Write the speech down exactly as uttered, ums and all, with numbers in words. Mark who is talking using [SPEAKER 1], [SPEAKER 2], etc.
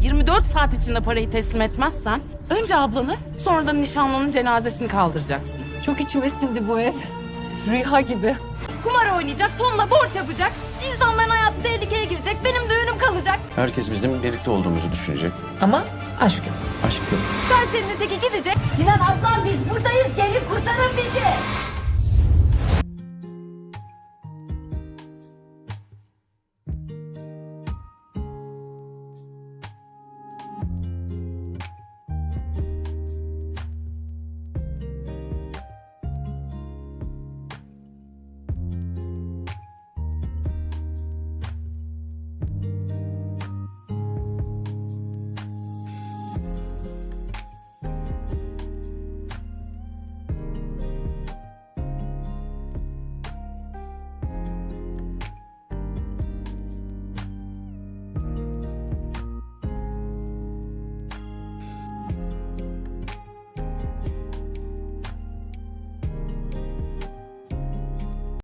[SPEAKER 1] yirmi dört saat içinde parayı teslim etmezsen önce ablanı sonra da nişanlının cenazesini kaldıracaksın.
[SPEAKER 2] Çok içime sindi bu ev. Rüya gibi.
[SPEAKER 3] Kumar oynayacak, tonla borç yapacak. İnsanların hayatı tehlikeye girecek. Benim düğünüm kalacak.
[SPEAKER 4] Herkes bizim birlikte olduğumuzu düşünecek.
[SPEAKER 2] Ama aşk yok.
[SPEAKER 4] Aşk yok.
[SPEAKER 3] Serserinin teki gidecek. Sinan ablam biz buradayız. Gelin kurtarın bizi.